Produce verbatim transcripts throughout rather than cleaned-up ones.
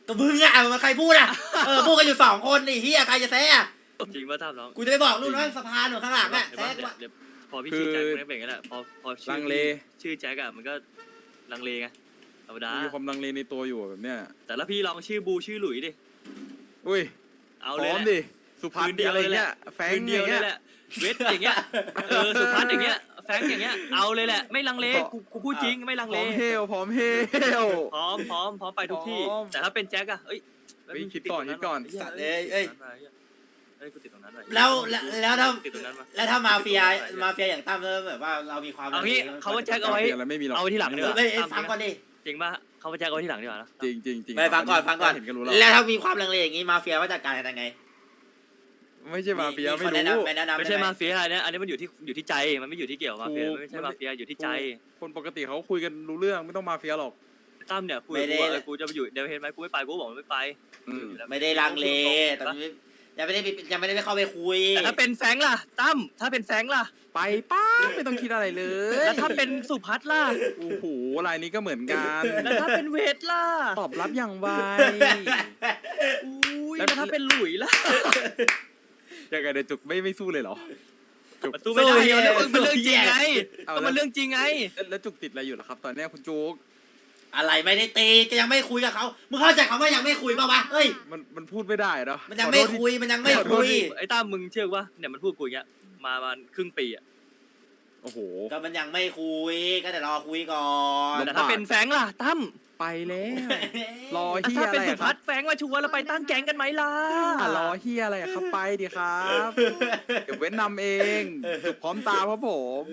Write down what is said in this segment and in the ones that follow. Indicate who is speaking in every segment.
Speaker 1: ก็มึงอะมันใครพูดอะเออพูดกันอยู่สองคนนี่เฮียใครจะแซ่อะ
Speaker 2: จริงว่าท่าน้อง
Speaker 1: กูจะไปบอกลูกน้องสะพานหนูข้างหลังอะ
Speaker 2: เห็น
Speaker 1: แซ่
Speaker 2: ปะ
Speaker 1: กว่า
Speaker 2: เดี๋ยวพอพี่ชื่อแจ็คมันก็เป็นอย่างนั้นแหละพอพอชื่
Speaker 3: ลั
Speaker 2: อง
Speaker 3: เล
Speaker 2: ชื่อแจ็คอะมันก็ลังเลไงธรรมดา
Speaker 3: มีความลังเลในตัวอยู่แบบเนี้ย
Speaker 2: แต่ละพี่ลองชื่อบูชื่อหลุยดิ
Speaker 3: อุ้ย
Speaker 2: เอา
Speaker 3: พ
Speaker 2: เลย
Speaker 3: ร้อม
Speaker 2: แหละ
Speaker 3: ดิสุภัสดีอะไรเงี้ยแฟง
Speaker 2: คืน
Speaker 3: อ
Speaker 2: เดียว
Speaker 3: ย่าง
Speaker 2: เล
Speaker 3: เงี้
Speaker 2: ย
Speaker 3: ย
Speaker 2: แหละเวทอย่างเงี้ยเออสุพัฒน์อย่างเงี้ยแฟงอย่างเงี้ยเอาเลยแหละไม่ลังเลกูกูพูดจริงไม่ลัง
Speaker 3: พ
Speaker 2: เล
Speaker 3: ร้อมเฮลพร้อมเฮล
Speaker 2: พร้อมพร้อมพร้อมไปทุกที่
Speaker 3: พร้อม
Speaker 2: แต่ถ้าเป็นแจ็คอะเอ้ย
Speaker 3: เฮ้ยคิดก่อนคิดก่อน
Speaker 1: สัตว์เอ้ยเอ้ย
Speaker 2: เอ้ยกูติดตรงนั้นไว้
Speaker 1: แล้วแล้วแล้วถ้า
Speaker 2: ติดตรงนั้นมา
Speaker 1: แล้วถ้ามาเฟียมาเฟียอย่างตั้มเริ่มแบบว่าเรามีความ
Speaker 2: เอางี้เขาว่าแจ็คเอาไว้
Speaker 3: อะไรไม่มีหรอก
Speaker 2: เอาไว้ที่หลังดีกว่า
Speaker 1: เฮ้ยฟังก่อนดิ
Speaker 2: จริงป่ะเขาว่าแจ็คเอาไว้ที่หลังดีกว่านะ
Speaker 3: จริงจริงจริง
Speaker 1: ไปฟังก่อนฟังก่อน
Speaker 3: เห็นก็รู้แล้ว
Speaker 1: แล้วถ้ามีความลังเลอย่างงี้มาเฟียว่าจัดการยังไง
Speaker 3: ไม่ใช่มาเฟียไม่
Speaker 1: คนแนะ
Speaker 3: รู้
Speaker 1: นำแนะนำ
Speaker 2: ไม่ใช่มาเฟียอันนี้อันนี้มันอยู่ที่อยู่ที่ใจมันไม่อยู่ที่เกี่ยวกับมาเฟีย
Speaker 3: ถูก
Speaker 2: ไม่ใช่มาเฟียอยู่ที่ใจ
Speaker 3: คนปกติเขาคุยกันรู้เรื่องไม่ต้องมาเฟียหรอก
Speaker 2: ตั้มเนี่ยคุยกับกูว่าเออกูจะไปอยู่เดี๋ยวเห็นไหมกูไม่ไปกูบอกไม่ไป
Speaker 3: อืม
Speaker 1: ไม่ได้ลังเลแต่ยังไม่ได้ยังไม่ได้เข้าไปคุย
Speaker 2: แต่ถ้าเป็นแฟงล่ะตั้มถ้าเป็นแฟงล่ะ
Speaker 3: ไปป้าไม่ต้องคิดอะไรเลย
Speaker 2: แล้วถ้าเป็นสุพัฒน์ล่ะ
Speaker 3: โอ้โหรายนี้ก็เหมือนกัน
Speaker 2: แล้วถ้าเป็นเวทล่ะ
Speaker 3: ตอบรับอย่างไว
Speaker 2: อุ้ยแล้วถ้าเป็นหลุยล่ะ
Speaker 3: ยังไงเดี๋ยวจุกไม่ไม่สู้เลยเหรอ
Speaker 2: มันสู้ไม่ได้เดี๋ยวมันเรื่องจริงไง
Speaker 3: เอา
Speaker 2: ก็
Speaker 3: แล้ว
Speaker 2: มันเรื่องจริงไง
Speaker 3: แล้วแล้วจุกติดอะไรอยู่ล่ะครับ ตอนเนี้ยคุณจุก
Speaker 1: อะไรไม่ได้ตีก็ยังไม่คุยกับเขามึงเข้าใจคำว่ายังไม่คุยป่าวะเฮ้ย
Speaker 3: มันมันพูดไม่ได้เนาะ
Speaker 1: มันยังไม่คุยมันยังไม่คุย
Speaker 2: ไอ้ตั้มมึงเชื่อว่าเนี่ยมันพูดกูอย่างเงี้ยมามาครึ่งปีอ่ะ
Speaker 3: โอ้โห
Speaker 1: ก็มันยังไม่คุยก็แต่รอคุยก่อน
Speaker 2: แต่ถ้าเป็นแฟงล่ะตั้ม
Speaker 3: ไปแล้วรอ
Speaker 2: แล้ว
Speaker 3: เฮีย
Speaker 2: ถ้า
Speaker 3: อะ
Speaker 2: เป็น
Speaker 3: ไร
Speaker 2: สุ
Speaker 3: อะค
Speaker 2: พั
Speaker 3: รั
Speaker 2: ฒ
Speaker 3: บ
Speaker 2: น์แฟงมาชวนเราไปตั้งแก๊งกันไหมล่ะ
Speaker 3: อ่ะรอเฮียอะไรอะครับไปดิครับ เดี๋ยวเว้นนำเอง จุกพร้อมตามครับผม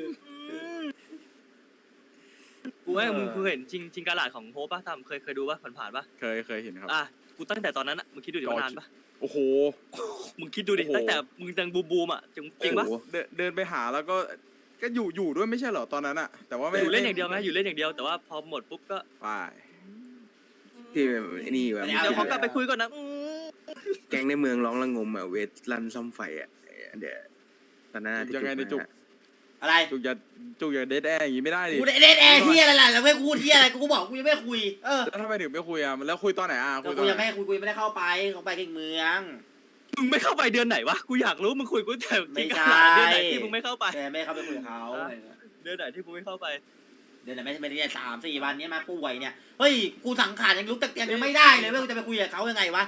Speaker 2: กูว่ามึงเคยเห็นจริงจริงกาลาดของโฮปป่ะตั้มเคยเคยดูป่ะผ่านๆป่ะ
Speaker 3: เคยเคยเห็นครับ
Speaker 2: อ่ะกูตั้งแต่ตอนนั้นอ่ะมึงคิดดูดิว่านานป่ะ
Speaker 3: โอ้โห
Speaker 2: มึงคิดดูดิ
Speaker 3: โอ้โห
Speaker 2: ตั้งแต่มึงยังบูบูมอ่ะจริงจริงป่ะ
Speaker 3: โอ้โหเดินเดินไปหาแล้วก็ก็อยู่อยู่ด้วยไม่ใช่เหรอตอนนั้นอะแต่ว่าไม่
Speaker 2: อยู่เล่นอย่างเดียวไหมอยู่เล่นอย่างเดียวแต่ว่าพอหมดปุ๊บก็
Speaker 3: ไป
Speaker 4: ที่แบบไอ้นี่แบบ
Speaker 2: เดี๋ยวขอกลับไปคุยก่อนนะอืม
Speaker 4: แก๊งในเมืองร้องระงมอ่ะเวทรันซ่อมไฟอ่ะเดี๋ยวตอนนั้นที่
Speaker 3: ยังไงในจุก
Speaker 4: มา
Speaker 1: อะไร
Speaker 3: จุกอย่าจุกอย่าเดทแอร์อย่างงี้ไม่ได้ดิ
Speaker 1: กูเล่นแอร์ที่อะไรล่ะแล้วไม่พูดที่อะไรกูก็บอกกูยังไม่คุยเออ
Speaker 3: แล้วทำไมถึงไม่คุยอ่ะแล้วคุยตอนไหนอ่ะ
Speaker 1: ก็
Speaker 3: คุยต
Speaker 1: กู
Speaker 3: อน
Speaker 1: ยัง
Speaker 3: ไหน
Speaker 1: ไม่คุยกูยังไม่ได้เข้าไปเข้าไปที่เมือง
Speaker 2: มึงไม่เข้าไปเดือนไหนวะกูอยากรู้มึงคุยกูแต่
Speaker 1: ไม่
Speaker 2: จริง
Speaker 1: ใช่
Speaker 2: กาลาดเดือนไหนที่มึงไม่เข้าไป
Speaker 1: แต่ไม่เข้าไปคุยกับเขา
Speaker 2: เดือนไหนที่มึงไม่เข้าไป
Speaker 1: เดี๋ยวไหนไม่ไม่ได้สามสี่วันนี้มาป่วยเนี่ยเฮ้ยกูสังขารยังลุกตะเกียงยังไม่ได้เลยเว้ยกูจะไปคุยกับเขายังไงวะ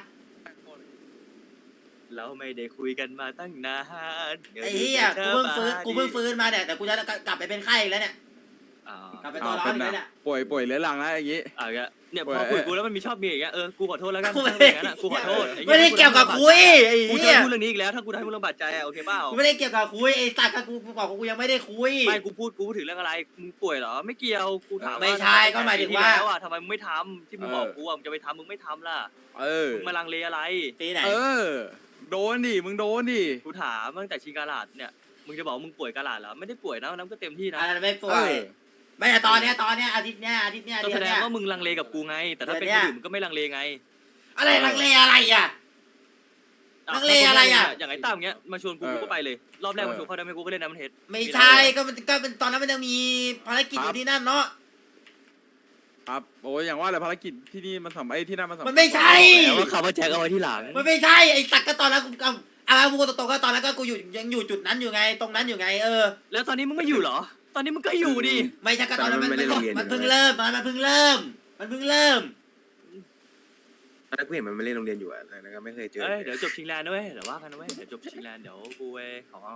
Speaker 2: เราไม่ได้คุยกันมาตั้งนาน
Speaker 1: ไอ้เหี้ยกูเพิ่งฟื้นกูเพิ่งฟื้นมาเนี่ยแต่กูจะกลับไปเป็นไข้อีกแล้วเนี่ย
Speaker 2: อ๋อก
Speaker 1: ลับไปตัวร้อนอีกแล้วเนี่ย
Speaker 3: ป่วยป่วยเรื้อรังแล้วอย่างงี้
Speaker 2: อ่ะเนี่ยเนี่ย
Speaker 3: ป่วย
Speaker 2: พอคุยกูแล้วมันมีชอบมีอย่างเงี้ยเออกูขอโทษแล้วกัน
Speaker 1: กูไม่
Speaker 2: ถ้า
Speaker 1: ได้
Speaker 2: อย่างนั้นอะกูขอโทษอ้หี้
Speaker 1: ไม่ได้เกี่ยวกับคุยไอ้
Speaker 2: กูจะ
Speaker 1: เหี้ย
Speaker 2: พูดเรื่องนี้อีกแล้วถ้ากูได้มึงลำบากใจอะโอเคเปล่า
Speaker 1: กูไม่ได้เกี่ยวกับคุยไอ้สัตว์กับกูกูบอกว่ากูยังไม่ได้คุย
Speaker 2: ไม่กูพูดกูพูดถึงเรื่องอะไรมึงป่วยเหรอไม่เกี่ยวกูถามว่า
Speaker 1: ไม่ใช่ก็หมายถึงว่า
Speaker 2: ปีที่แล้วอะทำไมมึงไม่ทำที่มึงบอกกูอะมึงจะไปทำมึงไม่ทำล่ะ
Speaker 3: เออ
Speaker 2: มึงมาลังเลอะไร
Speaker 1: ปีไหน
Speaker 3: เออ โดนดิมึงโดนดิ
Speaker 2: กูถามตั้งแต่ชิงกาลาดเนี่ยมึงจะบอกว่ามึงป่วยกาลาดเหรอไม่ได้ป่วยนะน้ำก็เต็มที่นะ
Speaker 1: อันนั้นไม่ป่ว
Speaker 3: เอย อ
Speaker 1: ไม่แต่ตอนเนี้ยตอนเนี้ยอาทิตย์เนี้ยอาทิตย์เนี้ย
Speaker 2: ก็
Speaker 1: เดือ
Speaker 2: แส
Speaker 1: น
Speaker 2: ด
Speaker 1: เนี้
Speaker 2: ง
Speaker 1: ย
Speaker 2: ว่ามึงลังเลกับกูไง แต่ถ้าเป็น
Speaker 1: เดื
Speaker 2: ค
Speaker 1: อน
Speaker 2: น
Speaker 1: เนี้ย
Speaker 2: อื่นมึงก็ไม่ลังเลไง
Speaker 1: อะไรลังเลอะไรอ่ะ ลังเลอะไรอะ
Speaker 2: อย่างไอ้ตั้มเงี้ยมาชวนกู
Speaker 3: เออ
Speaker 2: กูก็ไปเลย รอบแรก
Speaker 3: เออ
Speaker 2: มาชวนเขาได้ไหมกูก็เล่นน้ำมันเทส
Speaker 1: ไม่ใช่ก็มันก็เป็นตอนนั้นมันยังมีภารกิจอยู่ที่นั่นเนาะ
Speaker 3: ครับโอ้ยอย่างว่าแหละภารกิจที่นี่มันสำไอ้ที่นั่นมันสำ
Speaker 1: มันไม่ใช่
Speaker 2: แต่ว่าคำว่าแจ็คเอาไว้ที่หลัง
Speaker 1: มันไม่ใช่ไอ้ตักก็ตอนนั้นกูก็เอาพูดตรงๆก็ตอนนั้นก็กูอยู่ยังอยู่จุดนั้นอยู่ไงตรงนั้นอยู่ไงเออ
Speaker 2: แล้วตอนนี้มึงไม่อยู่เหรอ ตอนนี้มึงก็อยู่ดิ
Speaker 1: ไม่ใช่ก็ตอนนั้นมันมันมันเพิ่งเริ่มมันมันเพิ่งเริ่ม มันเพิ่งเริ่ม
Speaker 4: ตอนนั้นกูเห็นมันไม่เล่นโรงเรียนอยู่อ่ะแล้วก็ไม่เคยเจอ
Speaker 2: เอ้ยเดี๋ยวจบชิงแลนด์ด้วยเดี๋ยวว่ากันนะเว้ยเดี๋ยวจบชิงแลนด์เดี๋ยวกูไปขอ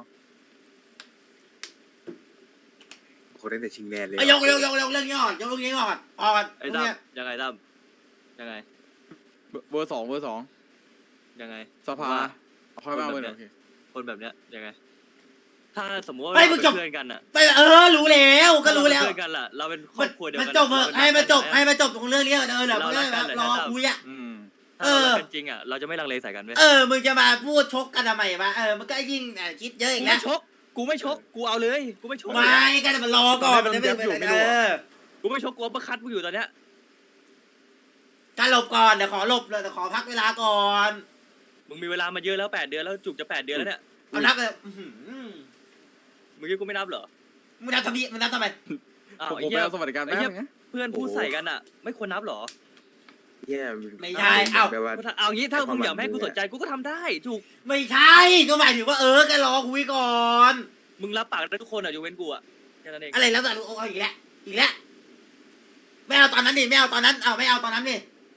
Speaker 4: คนตั้งแต่ชิงแลนด์เลย
Speaker 1: เอายกยกยกยกเรื่องนี้ก่อนยกเรื่องนี้ก่อนออก
Speaker 2: ไอ้
Speaker 1: เรื่อง
Speaker 2: ตั้ม
Speaker 1: เนี้ย
Speaker 2: ยังไงตั้มยังไง
Speaker 3: เบอร์สองเบอร์สอง
Speaker 2: ยังไง
Speaker 3: สภาเอาค่อยมาเบอร์หนึ่งโอเค
Speaker 2: คนแบบเนี้ยยังไง ถ้าสมมติว่า
Speaker 1: ไม่
Speaker 2: เรา
Speaker 1: มึ
Speaker 2: เป็
Speaker 1: ง
Speaker 2: น
Speaker 1: จบ
Speaker 2: เพื่อนกันอะ
Speaker 1: ไปเออรู้แล้วก็รู้แล้ว
Speaker 2: เพื่อนกันล่ะเราเป็นคร
Speaker 1: มั
Speaker 2: อน บครัวเดียว
Speaker 1: มัน
Speaker 2: กัน
Speaker 1: จบเหอะให้มันจบให้มันจบตรงเรื่องนี้เออเดี๋ยว
Speaker 2: เรา
Speaker 1: มึง
Speaker 2: รักกัน
Speaker 1: รอ
Speaker 2: เลยนะ
Speaker 1: คุยอ่ะ
Speaker 3: อืม
Speaker 2: ถ้าเราเป็นจริงอะเราจะไม่ลังเลใส่กันเว้ย
Speaker 1: เออมึงจะมาพูดชกกันทำไมวะเออมันก็ยิ่งคิดเยอะอี
Speaker 2: กู
Speaker 1: กแล้
Speaker 2: ไม่
Speaker 1: ว
Speaker 2: ชกกูไม่ชกกูเอาเลยกูไม่ชก
Speaker 1: ไม่ก็จะมารอก่อนมันจะไม่เป็นเออ
Speaker 2: กูไม่ชกกูเอาประคัดมึงอยู่ตอนเนี้ย
Speaker 1: การหลบก่อนเดี๋ยวขอหลบเลยเดี๋ยวขอพักเวลาก่อน
Speaker 2: มึงมีเวลามาเยอะแล้วแปดเดือนแล้วจุกจะแปดเดือนแล้วเนี่ย
Speaker 1: เอานับเลยอื้อหือ
Speaker 2: มึงคิดกูไม่นับเหรอ
Speaker 1: มึงนับทำไมมึงนับทำไม
Speaker 2: อ้าว
Speaker 3: ผม
Speaker 2: ไอ้
Speaker 3: ผมไป
Speaker 2: เหี้ย
Speaker 3: เอาสวัสดิการแป๊บนึงนะ
Speaker 2: เพื่อนพูดใส่กันอะไม่ควรนับเหรอ
Speaker 4: เเหี้ย
Speaker 1: ไม่ใช่เอ้า
Speaker 4: แบบว่า
Speaker 2: เอางี้ถ้ามึงอยาก
Speaker 4: ให้
Speaker 2: ให้
Speaker 4: ความหวัง
Speaker 2: กูสนใจกูก็ทำได้ถูก
Speaker 1: ไม่ใช่ก็หมายถึงว่าเออแกรอคุยก่อน
Speaker 2: มึงรับปากได้ทุกคนอ่ะยกเว้นกูอ่ะแค่นั้นเอง
Speaker 1: อะไรแล้วแต่เอาอีกแล้วอีกแล้วไม่เอาตอนนั้นดิไม่เอาตอนนั้นเอาไม่เอาตอนนั้นดิ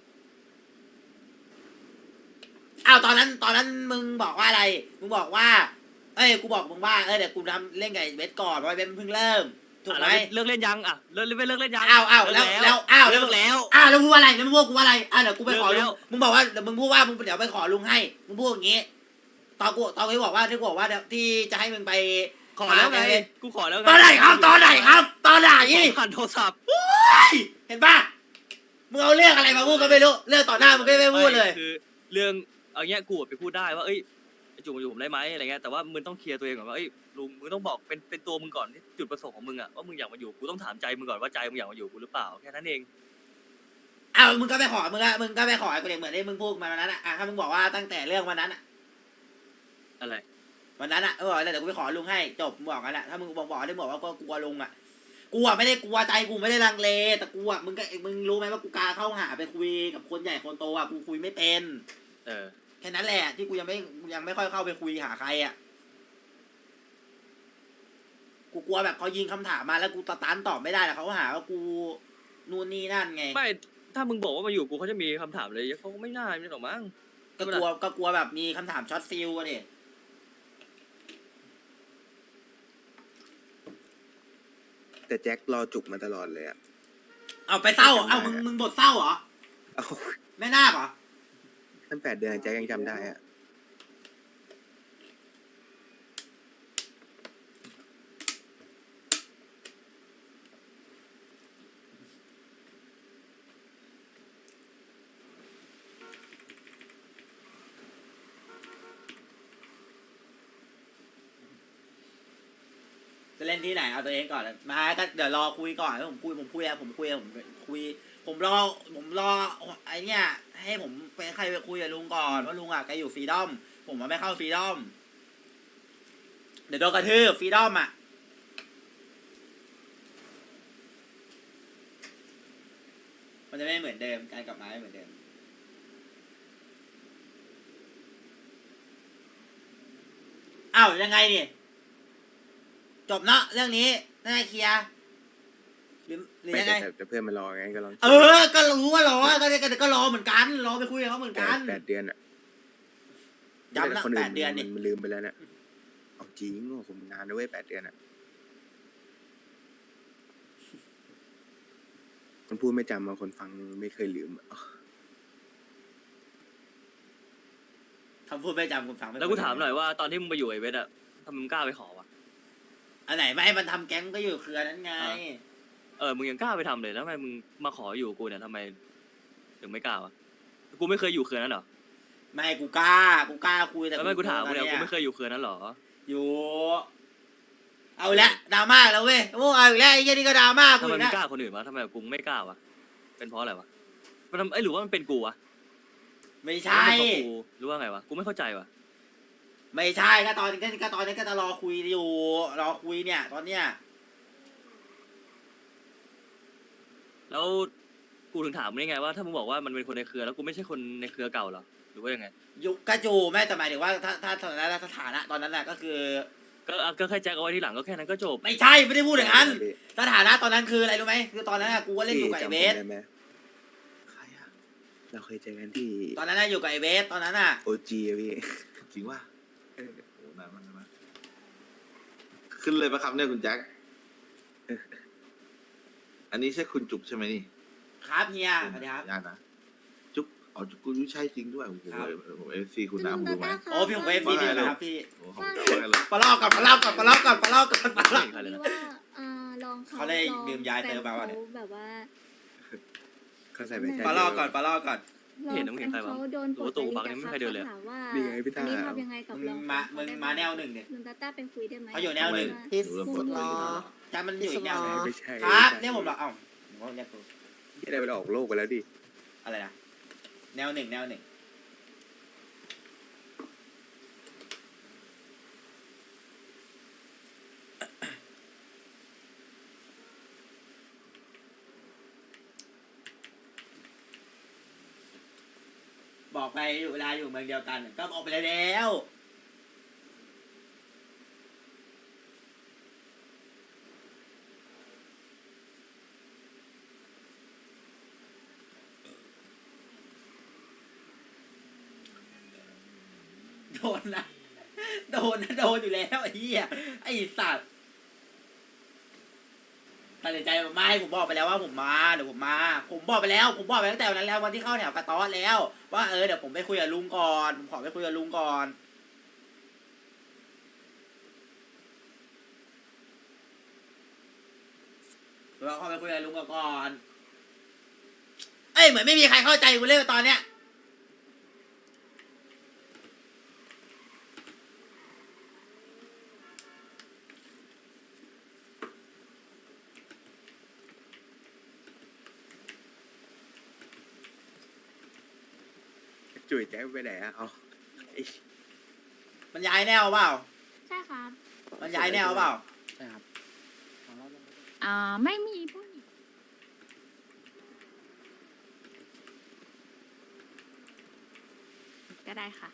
Speaker 1: เอาตอนนั้นตอนนั้นมึงบอกว่าอะไรมึงบอกว่าเอ้ยกูบอกมึงว่าเออเดี๋ยวกูทำเล่นกับไอ้เวทก่อนเพราะไอ้เวทมันเพิ่งเริ่มถูกไหม
Speaker 2: เลิกเล่นยังอ่ะเลิกเลิกเล่นยัง
Speaker 1: อ้าวอ้าวแล้วแล้วอ้าว
Speaker 2: เลิกแล้ว
Speaker 1: อ้าวแล้วมึงว่าอะไรแล้วมึงพูดกูว่าอะไรอ้าวเดี๋ยวกูไปขอ
Speaker 2: เลิ
Speaker 1: ลุ
Speaker 2: ก
Speaker 1: ง
Speaker 2: แล้ว
Speaker 1: มึงบอกว่าเดี๋ยวมึงพูดว่ามึงเดี๋ยวไปขอลุงให้มึงพูดอย่างงี้ตอนกูตอนกูบอกว่าที่กูบอกว่าเดี๋ยวที่จะให้มึงไป
Speaker 2: ขอแล้วไงกูขอแล้วไง
Speaker 1: ตอนไหนครับตอนไหนครับ ตอนไหน
Speaker 2: ผ่านโทรศัพท์
Speaker 1: เห็นปะมึงเอาเรื่องอะไรมาพูดก็ไม่รู้เรื่องต่อหน้ามึงก็ไม่พูดเลย
Speaker 2: คือเรื่องเอาเงี้ยกูไปพูดได้ว่าเอ้ยจุกมาอยู่ผมได้ไหมอะไรเงี้ยแต่ว่ามึงต้องเคลียร์ตัวเองก่อนว่าเอ้ยลุงมึงต้องบอกเป็นเป็นตัวมึงก่อนจุดประสงค์ของมึงอ่ะว่ามึงอยากมาอยู่กูต้องถามใจมึงก่อนว่าใจมึงอยากมาอยู่กูหรือเปล่าแค่นั้นเอง
Speaker 1: อ้าวมึงก็ไปขอมึงก็มึงก็ไปขอไอ้กูเด็กเหมือนที่มึงพูดมาวันนั้นอ่ะอ่ะถ้ามึงบอกว่าตั้งแต่เรื่องวันนั้นอ่ะ
Speaker 2: อะไร
Speaker 1: วันนั้นอ่ะเออเดี๋ยวกูไปขอลุงให้จบมึงบอกกันแหละถ้ามึงบอกบอกได้บอกว่าก็กลัวลุงอ่ะกูอ่ะไม่ได้กลัวใจกูไม่ได้ลังเลแต่กูอ่ะมึงก็มึงรู้ไหมว่ากูกาเข้าหาไปคุยกับคนใหญ่คนโตอ่ะกูคุยไม่เป็น
Speaker 2: เออ
Speaker 1: แค่นั้นแหละที่กูยังไม่ยังไม่ค่อยเข้าไปคุยหาใครอ่ะกูกลัวแบบเขายิงคำถามมาแล้วกูตะตันตอบไม่ได้แล้วเขาหาว่ากูนู่นนี่นั่นไง
Speaker 2: ไม่ถ้ามึงบอกว่ามาอยู่กูเขาจะมีคำถามเลยเขาก็ไม่น่าไม่หรอกมั้ง
Speaker 1: ก็กลัวก็กลัวแบบมีคำถามช็อตฟิลอะดิ
Speaker 4: แต่แจ็ครอจุกมาตลอดเลยอ่ะ
Speaker 1: เอาไปเศร้าเอามึงมึงบทเศร้าเหรอ
Speaker 4: เอา
Speaker 1: แม่นาคเหรอ
Speaker 4: ตั้งแปดเดือนแจ็คยังจำได้อ่ะ
Speaker 1: จะเล่นที่ไหนเอาตัวเองก่อนมาก็เดี๋ยวรอคุยก่อนผมคุยผมคุยอะผมคุยอะผมคุย ผมรอผมรอไอเนี้ยให้ผมไปใครไปคุยกับลุงก่อนว่าลุงอะแกอยู่ฟรีดอมผมมาไม่เข้าฟรีดอมเดี๋ยวโดนกระทืบฟรีดอมอะมันจะไม่เหมือนเดิมการกลับมาไม่เหมือนเดิมอ้าวยังไงนี่จบเนาะเรื่องนี้น่าจะเคลียร์หรือหรือ
Speaker 4: ไม่
Speaker 1: ยังไง
Speaker 4: แต่แต่เพื่อนมารอไงก็ลอง
Speaker 1: เออ ก็รู้ว่ารอก็ก็ก็รอเหมือนกัน รอไปคุยกับเขาเหมือน
Speaker 4: แป
Speaker 1: กั
Speaker 4: ด
Speaker 1: น
Speaker 4: แปดเดือนอ่ะ
Speaker 1: ย้ำนะ
Speaker 4: คน
Speaker 1: แป
Speaker 4: อื่
Speaker 1: ดเดือนนี่
Speaker 4: มันลืมไปแล้วเนี่ยเอาจริงโอ้ผมนานด้วยแปดเดือนอ่ะคนพูดไม่จำบางคนฟังไม่เคยลืมอะ
Speaker 1: คำพูดไม่จำคุณฟังไม่
Speaker 2: แล้วกูถามหน่อยว่าตอนที่มึงไปอยู่ไอเวทอะทำไมมึงกล้าไปขอวะ
Speaker 1: อันไหนไม่ให้มันทำแก๊งก็อยู่เครือนั้นไง
Speaker 2: เออมึงยังกล้าไปทำเลยแล้วทำไมมึงมาขออยู่กับกูเนี่ยทำไมถึงไม่กล้าวะกูไม่เคยอยู่เขื่อนนั้นเหรอ
Speaker 1: ไม่กูกล้า กูกล้าคุยแต่
Speaker 2: แล้วไม่กูถามกูเนี่ย
Speaker 1: กลัว
Speaker 2: กูไม่เคยอยู่เขื่อนนั้นเหรอ
Speaker 1: อยู่ เอาละดราม่าแล้วเว้ยโอ้เอาอีกแล้วไอ้เหี้ยนี่ก็ดราม่ากู
Speaker 2: ทำไม
Speaker 1: อีก
Speaker 2: มึ
Speaker 1: แล้
Speaker 2: ง
Speaker 1: ว
Speaker 2: กล้าคนอื่นวะทำไมกูไม่กล้าวะเป็นเพราะอะไรวะมันทำไอยหรือว่ามันเป็นกูวะ
Speaker 1: ไม่
Speaker 2: หรือ
Speaker 1: ใช่
Speaker 2: ว่าเป็นเพราะกูหรือว่าไงวะกูไม่เข้าใจวะ
Speaker 1: ไม่ใช่ก็ตอนนี้ก็ตอนนี้ก็จะรอคุยอยู่ รอคุยเนี่ย ตอนเนี้ย
Speaker 2: แล้วกูถึงถามมึงได้ไงว่าถ้ามึงบอกว่ามันเป็นคนในเครือแล้วกูไม่ใช่คนในเครือเก่าเหรอหรือว่ายังไง
Speaker 1: ยุคกระจูแม่แต่หมายถึงว่าถ้าถ้าสถานะสถานะตอนนั้นน่ะก็คือ
Speaker 2: ก็อ่ะก็แค่แจ็คเอาไว้ที่หลังก็แค่นั้นก็จบ
Speaker 1: ไม่ใช่ไม่ได้พูดอย่างนั้น สถานะตอนนั้นคืออะไรรู้ไหมคือตอนนั้นน่ะกูก็เล่นอยู่กับไอเบส
Speaker 4: จำผมได้ไหมใครอะเราเคยเจอกันที่
Speaker 1: ตอนนั้นน่ะอยู่กับไอเบสตอนนั้นน่ะ
Speaker 4: โอจีอะพี่
Speaker 5: จริงว่าโอ้นานมากนานมากขึ้นเลยปะครับเนี่ยคุณแจ็ค อันนี้ใช่คุณจุกใช่ไหมนี่
Speaker 1: ครับเฮียสวัสดีครับ
Speaker 5: ญาตินะ จุกอ๋อจุกกูใช่จริงด้วยโอ้โห
Speaker 1: ครับ
Speaker 5: ผมเอฟซีคุณน้ำดูไหม
Speaker 1: โอ้พี่ผมเอฟซีพี่นะครับพี่
Speaker 5: โอ้โหผมจำไว้กันเลย
Speaker 1: ปลาลอกก่อนปลาลอกก่อนปลาลอกก่อนปลาลอกก่อนปลาล
Speaker 2: ไม่
Speaker 1: อก
Speaker 2: เห็นใครเลยนะ
Speaker 6: ว่าอ่าลองเขา
Speaker 1: เขาได้
Speaker 6: ลอง
Speaker 1: ดื่มยาเติมมาว่ะเนี่ย
Speaker 6: แฟนขแบบว่า
Speaker 4: เขาใส่ไปใจ
Speaker 1: ปลาลอกก่อนปลาลอกก่อน
Speaker 6: ลอง
Speaker 2: เห็นน้ำ
Speaker 6: แฟ
Speaker 2: เห็น
Speaker 6: น
Speaker 2: ใครวะ
Speaker 6: เขาโดน
Speaker 2: หรือว่าตัวบักนี่ไม่เคยเดินเลย
Speaker 6: ถามว่า
Speaker 4: นี่ไงพี่ตา
Speaker 6: อันนี้ทำยังไงกับ
Speaker 1: มึง
Speaker 6: ลอง
Speaker 1: มา
Speaker 6: แฟน
Speaker 1: มึง
Speaker 6: เขได้
Speaker 1: มา
Speaker 6: ไห
Speaker 1: แนวหนึ่งเนี่ย
Speaker 6: ลุงตาต้าเป็นคุยได้ไหม
Speaker 1: เขาอยู่แนวหนึ่ง
Speaker 6: ที่
Speaker 5: หนูเริ่ม
Speaker 6: สุ
Speaker 5: ปวด
Speaker 6: ด
Speaker 5: หัว
Speaker 6: รอ
Speaker 1: จำมันอยู่อีกแนวหนึ่ง
Speaker 4: ไม่ใช่
Speaker 1: ครับเนี่ยผมบอกเอ้าผมก็เรียกกู
Speaker 4: ที่ได้ไปออกโลกไปแล้วดิ
Speaker 1: อะไรนะแนวหนึ่งแนวหนึ่งบอกไปอยู่เวลาอยู่เมืองเดียวกัน ก็ออกไปแล้ว โดนนะ โดนนะ โดนอยู่แล้วไอ้เหี้ยไอ้สัตว์ตัดสินใจไม่ผมบอกไปแล้วว่าผมมาเดี๋ยวผมมา ผมบอกไปแล้ว ผมบอกไปตั้งแต่วันนั้นแล้ววันที่เข้าแถวกระต๊อดแล้ว ว่าเออเดี๋ยวผมไปคุยกับลุงก่อนผมขอไปคุยกับลุงก่อนเราเข้าไปคุยกับลุงก่อนเอ้ยเหมือนไม่มีใครเข้าใจกูเลยตอนเนี้ย
Speaker 4: จุ๋ยแจ็คไปไหนอะเอาไอ้
Speaker 1: มันย้ายแนวเปล่า
Speaker 6: ใช่ครับ
Speaker 1: มันย้ายแนวเปล่า
Speaker 3: ใช่ครับ
Speaker 6: อ่าไม่มีผู้หญิงก็ได้ค่ะ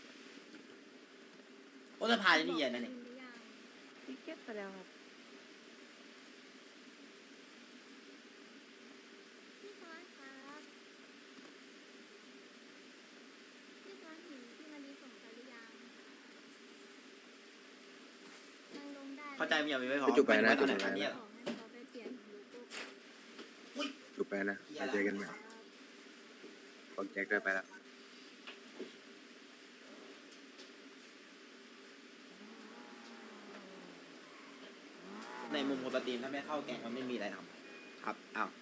Speaker 1: โอ้สภาจะนี่เย็นนะนี่
Speaker 6: พี่เก็บไปแล้วครับพี่ซ้อนครับพี่ซ้อนเห็นพี่มารีส่งไปหรือยังมันลงได้
Speaker 1: เข้าใจมีอย่างไม่พอ
Speaker 4: จุ๋ยไปนะ
Speaker 1: จุ
Speaker 4: จุ๋
Speaker 1: ด
Speaker 4: ยไป
Speaker 1: ไหน
Speaker 4: นะ
Speaker 6: ขอให้เขาไปเปลี่ยนโลโก้
Speaker 4: จุ๋ยไปนะมาเจอกันใหม่บอกแจ็คด้วยไปแล้ว
Speaker 1: ในมุมคนสตรีมถ้าไม่เข้าแก๊งมันไม่มีอะไรทำครับอ้าว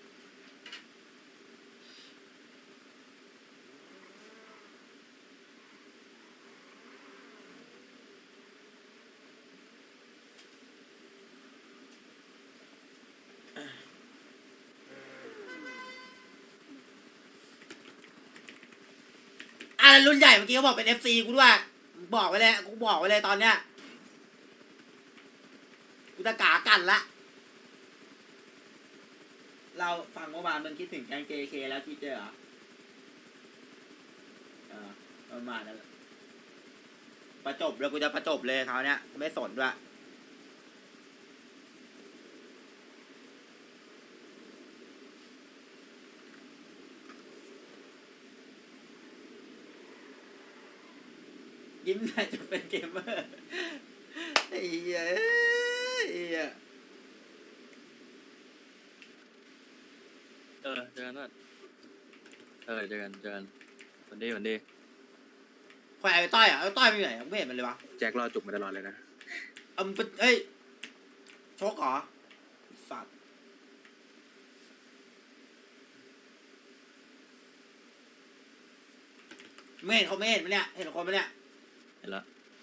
Speaker 1: อ่ะแล้วรุ่นใหญ่เมื่อกี้เขาบอกเป็น เอฟ ซี กูด้วยบอกไว้เลยกูบอกไว้เลยตอนเนี้ยกูจะกากันละ เราฟังเมื่อวานมันคิดถึงแก๊ง เจ เค แล้วที่เจอเหรอเออประมาณนั้นแหละประจบแล้วกูจะประจบเลยคราวเนี้ยกูไม่สนด้วยยิ้มหน่อยจะเป็นเกมเมอร์ไอ้เหี้ยไอ้เหี้ย
Speaker 2: เออเจอกันว่าเออเจอกันเจอกันวันดีวันดี
Speaker 1: ใครไอ้ต้อยอ่ะไอ้ต้อยไปไหนไม่เห็นมันเลยวะ
Speaker 4: แจ็ครอจุกมาตลอดเลยนะ
Speaker 1: เอามันเป็นเอ้ยโชกเหรอสัตว์ไม่เห็นเขาไม่เห็นมันเนี่ยเห็นคนมันเนี่ย
Speaker 2: เห็นละ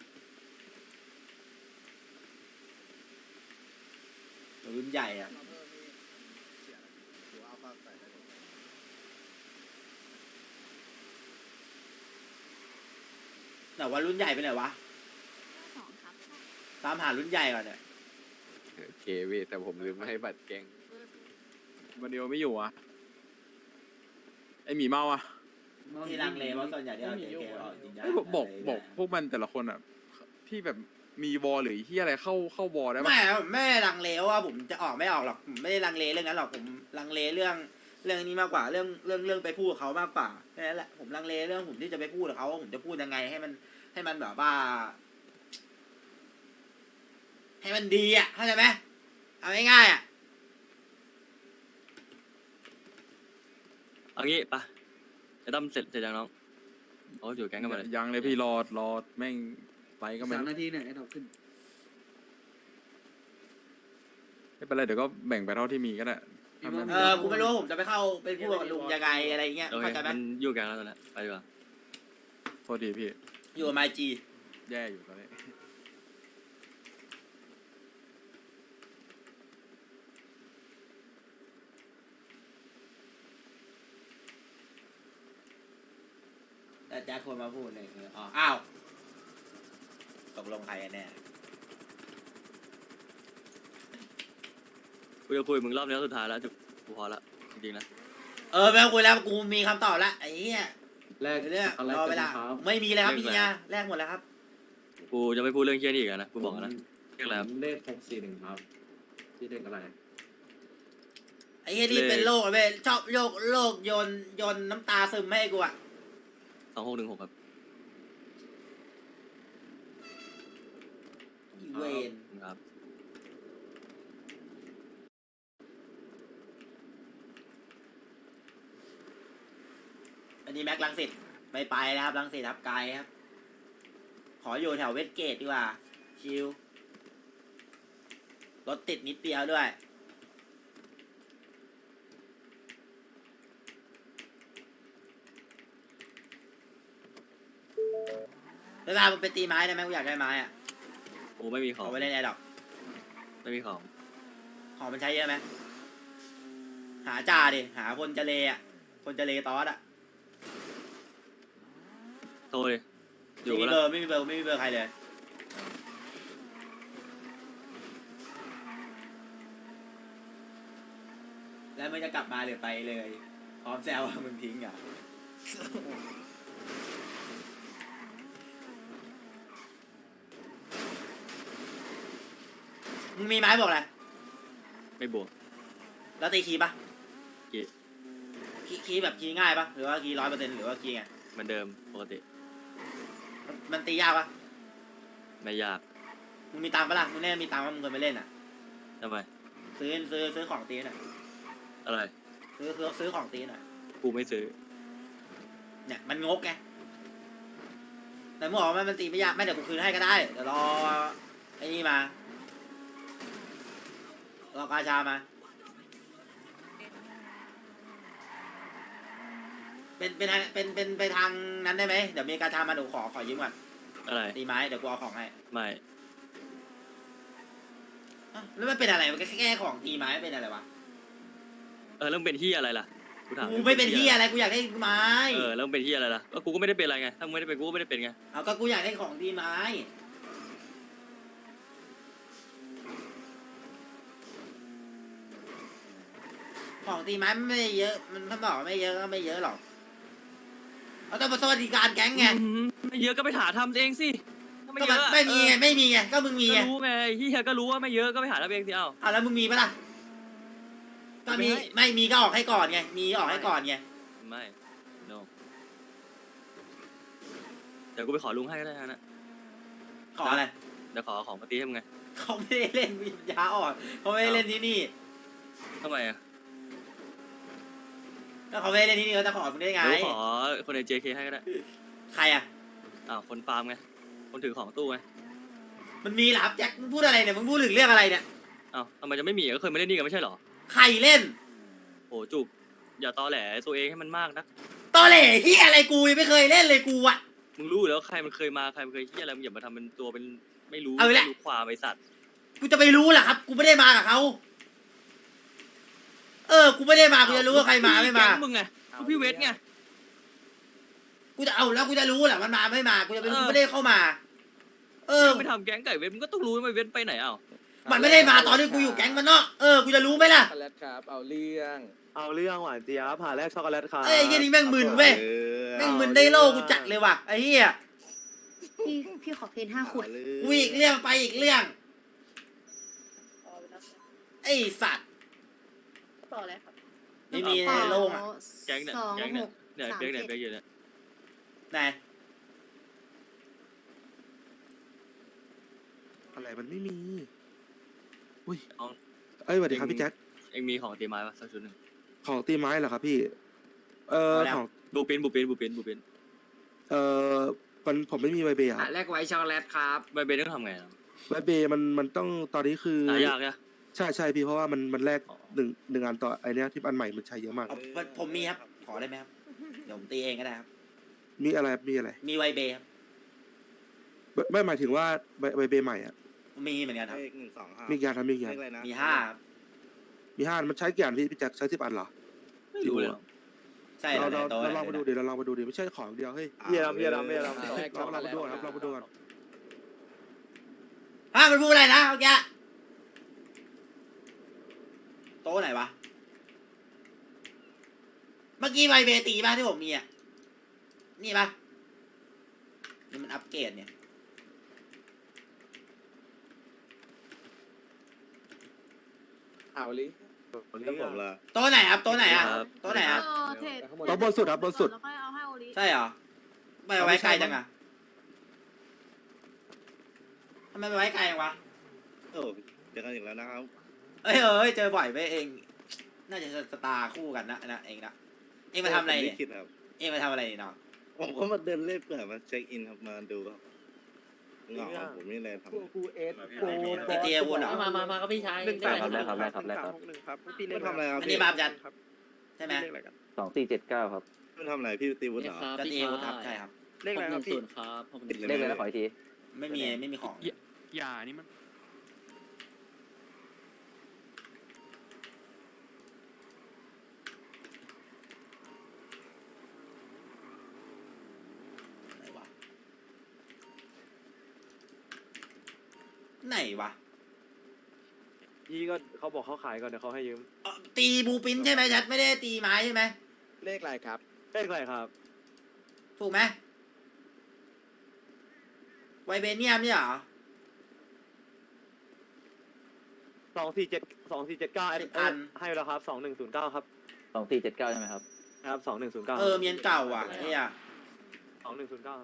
Speaker 1: รุ่นใหญ่อ่ะแต่ว่ารุ่นใหญ่ไปไหนวะ
Speaker 6: สองครับ
Speaker 1: ตามหารุ่นใหญ่ก่อนเนี่ย
Speaker 7: โอเคพี่แต่ผมลืมให้บัตรแกง
Speaker 3: วันเดียวไม่อยู่อ่ะ ไอหมีเมาอ่ะ
Speaker 1: ที่ลังเลเพราะส่วนใหญ่ที่เราเจเกออกจริงจัง
Speaker 3: ไอ้บอกบอกบอกพวกมันแต่ละคนอ่ะ ที่แบบมีวอลหรือที่อะไรเข้าเข้าวอลได้ปะ
Speaker 1: ไม่ไม่ได้ลังเลว่าผมจะออกไม่ออกหรอกผมไม่ได้ลังเลเรื่องนั้นหรอกผมลังเลเรื่องเรื่องนี้มากกว่าเรื่องเรื่องเรื่องไปพูดกับเขามากกว่าแค่นั้นแหละผมลังเลเรื่องผมที่จะไปพูดกับเขาว่าผมจะพูดยังไงให้มันให้มันแบบว่า ให้มันดีอ่ะเข้าใจไหมเอาง่ายๆอ่ะ
Speaker 2: เอางี้ปะไอ้ตั้มเสร็จเสร็จยังน้องเขาอยู่แก๊งกันมาเลย
Speaker 3: ยังเลยพี่รอรอแม่งไปก็ไม่
Speaker 8: สาม
Speaker 3: รู้
Speaker 8: นาทีเนี่ยไอ้ดอกขึ้น
Speaker 3: ไม่เป็นไรเดี๋ยวก็แบ่งไปเท่าที่มีก็ได้ทำ
Speaker 1: เออกูไม่รู้ว่าผมจะไปเข้าไปพูดกับลุงยังไงอะไรเงี้ย
Speaker 2: โอเค
Speaker 1: เข้าใจไหม
Speaker 2: มันอยู่แก๊งแล้วตอนนี้ไปดีกว่า
Speaker 3: โทษทีพี่
Speaker 1: อยู่กับไมจี
Speaker 3: แย่อยู่ตอนนี้
Speaker 1: แต่แจ็คคนมาพูดเลยคืออ๋ออ้าวตกลงใครกันแน่
Speaker 2: กูจะคุยกับมึงรอบนี้สุดท้ายแล้วจุกกูพอละจริงๆนะ
Speaker 1: เออไม่ต้องคุยแล้วกูมีคำตอบละไอ้เหี้ย
Speaker 8: แรก
Speaker 1: เดี๋ยวเนี่ย
Speaker 8: ช็อกโกแล
Speaker 1: ร
Speaker 8: ต
Speaker 1: อเว
Speaker 8: กัน
Speaker 1: ลา
Speaker 8: นะครับ
Speaker 1: ไม่มีเลยครับพี่เนี่ยแลกหมดแล้วครับ
Speaker 2: กูจะไม่พูดเรื่องเฮี้ยนี่อีกแล้วนะกูบอกแล้วนะเรียกอะไรครับ
Speaker 8: ผมเลขหกสี่หนึ่งครับที่เลขอะไร
Speaker 1: ไอ้เหี้ยนี่
Speaker 2: เลข
Speaker 1: เป็นโรคเว้ยชอบโรคโรคโยนโยนน้ำตาซึมให้กูอะ
Speaker 2: สองหกหนึ่งหกครับ
Speaker 1: อีเวน
Speaker 2: ครับ
Speaker 1: อันนี้แม็กลังสิตไม่ไปนะครับลังสิตครับไกลครับ ขออยู่แถวเวสเกตดีกว่าชิลรถติดนิดเดียวด้วยเวลามึงไปตีไม้ได้ไหมกูอยากได้ไม้อะ
Speaker 2: กูไม่มีขอ
Speaker 1: เอา
Speaker 2: ง
Speaker 1: ไว้เล่นแอร์ดอก
Speaker 2: ไม่มีของ
Speaker 1: ของมันใช้เยอะไหมหาจ่าดิหาคนจะเลอะคนจะเลตอสอะ
Speaker 2: โทรเลยอยู่
Speaker 1: ไม่มี
Speaker 2: แล้
Speaker 1: เบ
Speaker 2: ว
Speaker 1: อร์ไม่มีเบอร์ไม่มีเบอร์ใครเลย แล้วมึงจะกลับมาหรือไปเลย พร้อมแซวว่ามึงทิ้งอ่ะ มึงมีไม้บอกอะไร
Speaker 2: ไม่บวก
Speaker 1: แล้วตีคีย์ปะ
Speaker 2: คีย์
Speaker 1: คีย์คีย์แบบคีย์ง่ายปะหรือว่าคีย์ร้อยเปอร์เซ็นต์หรือว่าคีย์ไง
Speaker 2: เหมือนเดิมปกติ
Speaker 1: มันมันตียากปะ
Speaker 2: ไม่ยาก
Speaker 1: มึงมีตังค์ปะล่ะมึงเล่นมีตังค์ว่ามึงเคยไปเล่นอ่ะ
Speaker 2: ทำไม
Speaker 1: ซื้อซื้อซื้อของตีหน่อย
Speaker 2: อะไร
Speaker 1: ซื้อซื้อซื้อของตีหน่อย
Speaker 2: กูไม่ซื้อ
Speaker 1: เนี่ยมันงกไงแต่มึงบอกว่ามันตีไม่ยากไม่เดี๋ยวกูคืนให้ก็ได้เดี๋ยวรอไอ้นี่มารอกาชามา เป็นเป็นเป็นเป็นไปทางนั้นได้ไหมเดี๋ยวมีกาชามาเดี๋ยวขอขอยืมก่อน
Speaker 2: อะไร
Speaker 1: ตีไม้เดี๋ยวกูเอาของให้
Speaker 2: ไม่
Speaker 1: อ้าวแล้วมันเป็นอะไรมันแค่แค่ของตีไม้เป็นอะไรวะ
Speaker 2: เออแล้วมึงเป็นเฮี้ยอะไรล่ะกูถาม
Speaker 1: กูไม่เป็นที่อะไรกูอยากได้ไม้
Speaker 2: เออแล้วมึงเป็นเฮี้ยอะไรล่ะก็กูก็ไม่ได้เป็นอะไรไงถ้ามึงไม่ได้เป็นกูก็ไม่ได้เป็นไง
Speaker 1: เอาก็กูอยากได้ของตีไม้ของตีไม้มันไม่เยอะมันถ้าบอกว่าไม่เยอะก็ไม่เยอะหรอกเอาต้องมาสวัสดิการแก๊งไง
Speaker 2: อืมไม่เยอะก็ไปหาทำเองสิถ้าไม่
Speaker 1: ก็
Speaker 2: เย
Speaker 1: มัน
Speaker 2: อะ
Speaker 1: ไม่มีไง
Speaker 2: เออ
Speaker 1: ไม่มีไงก็มึงมี
Speaker 2: ก็
Speaker 1: ไง
Speaker 2: รู้ไงเฮียก็รู้ว่าไม่เยอะก็ไปหาทำเองสิเอ้า
Speaker 1: อ่ะแล้วมึงมีปะล่ะก็มี
Speaker 2: ไม่ให้
Speaker 1: ไม่มีก็ออกให้ก่อนไงมีออกให้ก่อนไง
Speaker 2: ไม่ no เดี๋ยวกูไปขอลุงให้ก็ได้นะ
Speaker 1: ขออะไร
Speaker 2: เดี๋ยวขอของมาตีให้มึงไง
Speaker 1: เขาไม่ได้เล่นวิญญาอ่อนเขาไม่ได้เล่นที่นี่
Speaker 2: ทำไมอ่ะ
Speaker 1: ก็เขาไม่ได้เล่นที่นี่เขาจะขอมึงได้ไง
Speaker 2: เดี๋ยวขอคนใน เจ เค ให้ก็ได้
Speaker 1: ใครอ่ะ
Speaker 2: อ้าวคนฟาร์มไงคนถือของตู้ไง
Speaker 1: มันมีเหรอครับแจ็คมึงพูดอะไรเนี่ยมึงพูดถึงเรื่องอะไรเนี่ย
Speaker 2: อ้าวทำไมจะไม่มีอ่ะก็เคยมาเล่นนี่กันไม่ใช่เหรอ
Speaker 1: ใครเล่น
Speaker 2: โอ้จุกอย่าตอแหลตัวเองให้มันมากนะ
Speaker 1: ตอเหล่ที่อะไรกูยังไม่เคยเล่นเลยกูอ่ะ
Speaker 2: มึงรู้อยู่แล้วใครมันเคยมาใครมันเคยเฮียอะไรมึงอย่ามาทำเป็นตัวเป็นไม่รู้
Speaker 1: เอาอีกแล้ว
Speaker 2: ไม่รู้ความไอสัตว์
Speaker 1: กูจะไปรู้เหรอครับ กูไม่ได้มากับเขาเออกูไม่ได้มากูจะรู้ว่าใครมาไม่มา
Speaker 2: แก๊งมึงไงกูพี่เวทไง
Speaker 1: กูจะเอาแล้วกูจะรู้เหรอมันมาไม่มากูจะไปรู้
Speaker 2: เออ
Speaker 1: กูไม่ได้เข้ามา เออ
Speaker 2: มึงไปทำแก๊งไก่เวทมึงก็ต้องรู้ว่าเวทไปไหนเอ้า
Speaker 1: มันไม่ได้มาตอนที่กูอยู่แก๊งมันเนาะเออกูจะรู้ไหมล่ะ
Speaker 7: ช็อกโกแลตครับ เอาเรื่อง
Speaker 4: เอาเรื่องหวานเจี๊ยบผ่าแรกช็อกโกแลตครับ
Speaker 1: เอ้ยไอ้เหี้ยนี่แม่งมึนเว้ย แม่งมึนได้โลกูจัดเลยว่ะไอ้เหี้ย
Speaker 6: พี่พี่ขอเพนห้าขวด
Speaker 1: กูอีกเรื่องไปอีกเรื่องไอ้สัตว์
Speaker 6: ต่อเลยครับ
Speaker 1: ไม่มีในโลกอ่ะ
Speaker 2: แก๊งเนี่ย
Speaker 6: สอง
Speaker 2: แก๊ง
Speaker 6: ห
Speaker 2: เนี่ย
Speaker 6: ก
Speaker 2: เนี่ย
Speaker 6: สาม
Speaker 2: เปียกเนี่ย
Speaker 6: เจ็ด
Speaker 2: เปียกอยู่เนี่ย
Speaker 1: ไหน
Speaker 9: อะไรมันไม่มีอุ้ย
Speaker 2: เอา
Speaker 9: เอ้ยสวัสดีครับพี่แจ็ค
Speaker 2: เองมีของตีไม้ปะสักชุดหนึ่ง
Speaker 9: ของตีไม้เหรอครับพี่ เอ่อของ
Speaker 2: บูปินบูปินบูปินบูปิน
Speaker 9: เอ่อมันผมไม่มีใบเบย์ครับ
Speaker 8: แรกไว้ช็อกโกแลตครับ
Speaker 2: ใบเบนต้องทำไงอะ
Speaker 9: ใบเบย์มันมันต้องตอนนี้คือ
Speaker 2: หายากนะ
Speaker 9: ใช่ใช่พี่เพราะว่ามันมันแลกหนึ่งหนึ่งอันต่อไอเนี้ยที่อันใหม่มันใช้เยอะมาก
Speaker 1: เอาผมมีครับ ขอได้ไหมครับ เดี๋ยวผมตีเองก็ได้ครับ
Speaker 9: มีอะไรมีอะไร
Speaker 1: มีไวเบย์ครับ
Speaker 9: ไม่ไม่หมายถึงว่าใบใบเบย์ใหม่อ่ะ
Speaker 1: มีเหมือนกันครับ
Speaker 4: เลขหนึ่งสองห้า
Speaker 9: มีกี่อันครับมีกี่อัน
Speaker 4: เลขอะไรนะ
Speaker 1: มีห้าครับ
Speaker 9: มีห้าอันมันใช้กี่อันพี่พี่แจ็คใช้สิบอันเหรอ
Speaker 2: ไม่รู้เลยหรอก
Speaker 1: ใช่
Speaker 9: เรา
Speaker 1: แล้ว
Speaker 9: เรา
Speaker 1: ในโต๊ะ
Speaker 9: เราลองมาดูดิเราลองมาดูดิไม่ใช่ของอย่างเดียวเฮ้ย
Speaker 4: พี่ดำพี่ดำพี่ดำ
Speaker 7: แรกช็อก
Speaker 9: เรา
Speaker 7: โก
Speaker 9: เรา
Speaker 7: แล
Speaker 9: มา
Speaker 7: ต
Speaker 9: ดูก่อนครับเรามาดูก่อน
Speaker 1: ฮะมันพูดอะไรนะเมื่อกี้โต๊ะไหนวะ เมื่อกี้ไวเบย์ตีป่ะที่ผมมีอ่ะนี่ปะนี่มันอัปเกรดเนี่ย
Speaker 7: เอาลิ
Speaker 9: ครับผมละ
Speaker 1: โต๊ะไหนครับโต๊ะไหนอ่ะโต๊ะไหนอ่ะ
Speaker 6: เออเทรด
Speaker 9: โต๊ะบนสุดครับบนสุด
Speaker 6: แล้วค่อยเอาให้โอริ
Speaker 1: ใช่เหรอไม่เอาไว้ไกลจังอ่ะทำไมไปไว้ไกลจังวะ
Speaker 9: โอ้เจอกันอีกแล้วนะครับ
Speaker 1: เอ้ยเอ้ยเจอบ่อยไปเอง น่าจะสตาร์คู่กันนะนะเองนะเองมาทำอะไรเนี่ย
Speaker 9: คิดครับ
Speaker 1: เองมาทำอะไรเนี่ยน้อง
Speaker 9: ผมก็มาเดินเล่นเผื่อมาเช็คอินครับมาดูครับเหงาครับผมไม่เลยทำ
Speaker 3: กูเอส
Speaker 1: ตีเตียวุ้นเหรอ
Speaker 10: มามามาครับพี่ชาย
Speaker 3: หนึ่ง
Speaker 10: ได้
Speaker 3: สาม
Speaker 10: ไหม
Speaker 3: ครับแรกครับแรกครับหนึ่งครับพี่เล่น
Speaker 9: ทำอะไรครับ
Speaker 1: อันนี้มาจัดใช่ไหม
Speaker 7: สองสี่เจ็ดเก้าครับ
Speaker 9: คุณทำอะไรพี่ตีวุฒิเหรอ
Speaker 1: จัดตีวุ้นครับใช่ครับ
Speaker 3: เลขอะไรครับพี่
Speaker 10: ศูนย์ครับผม
Speaker 9: ติดเลย
Speaker 7: เลขอะไรนะขออีกที
Speaker 1: ไม่มีไม่มีของ
Speaker 3: อย่านี่มัน
Speaker 1: ไหนวะไหนวะ
Speaker 3: ยี่ก็เขาบอกเขาขายก่อนเดี๋ยวเขาให้ยืม
Speaker 1: เอ่อตีบูปินใช่ไหมชัดไม่ได้ตีไม้ใช่ไหม
Speaker 3: เลขอะไรครับเลขอะไรครับ
Speaker 1: ถูกไหมไวเบเนียมเนี่ยเหรอ
Speaker 3: สองสี่เจ็ดสองสี่เจ็ดเก้า
Speaker 1: สิบอัน
Speaker 3: ให้แล้วครับสองหนึ่งศูนย์เก้าครับ
Speaker 7: สองสี่เจ็ดเก้าใช่ไหมครับ
Speaker 3: ครับสองหนึ่งศูนย์เก้า
Speaker 1: เออเมียนเก่าอ่ะเนี่ย
Speaker 3: สองหนึ่งศูนย์เก้า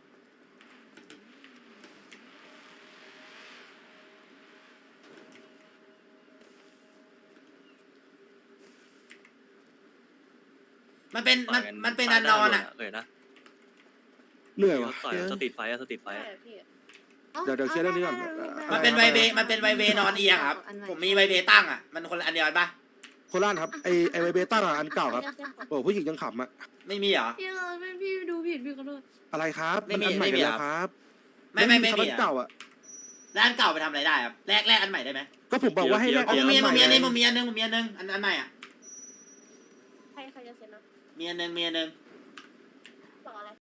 Speaker 1: มันเป็นมันมันเป็นอันนอนอ่ะ
Speaker 2: เลยนะ
Speaker 9: เหนื่อยวะ
Speaker 2: ต่อยสตรีทไฟอะสตรีทไฟ
Speaker 6: ใช่
Speaker 2: อะ
Speaker 6: พี่
Speaker 9: เดี๋ยวเดี๋ยวเคลียร์เรื่องนี้ก่อน
Speaker 1: มันเป็นไวเบมันเป็นไวเบนอนเอียงครับ ผมมีไวเบตั้งอ่ะ มันคนละอันเดียวกันปะ
Speaker 9: โคราชครับไอไอไวเบต้าอะอันเก่าครับโอ้ผู้หญิงยังขำอะ
Speaker 1: ไม่มีเหรอ
Speaker 6: พี่เราเป็นพี่ดูผิดพี่ขอโทษ
Speaker 9: อะไรครับ
Speaker 1: ไม่มี
Speaker 9: นอันใหม่
Speaker 1: ไม่มี
Speaker 9: กัน
Speaker 1: เหรอ
Speaker 9: แล้วครับ
Speaker 1: ไม่ไม่ไม่
Speaker 9: ครับ
Speaker 1: มี
Speaker 9: อัน
Speaker 1: อ่ะ
Speaker 9: เก่าอะ
Speaker 1: แล้วอันเก่าไปทำอะไรได้ครับแลกแลกอันใหม่ได้ไหม
Speaker 9: ก็ผมบอกว่าให้แลก
Speaker 1: อ๋อ
Speaker 9: อั
Speaker 1: มึงมี
Speaker 9: น
Speaker 1: มึง
Speaker 9: ให
Speaker 1: มีอัน
Speaker 9: ไ
Speaker 1: นึงมึงมีอันนึงมึงมีอันนึงอันอันใหม่อ่ะ
Speaker 6: ใครใครจะเซ็นนะ
Speaker 1: มีอันนึงมีอันนึง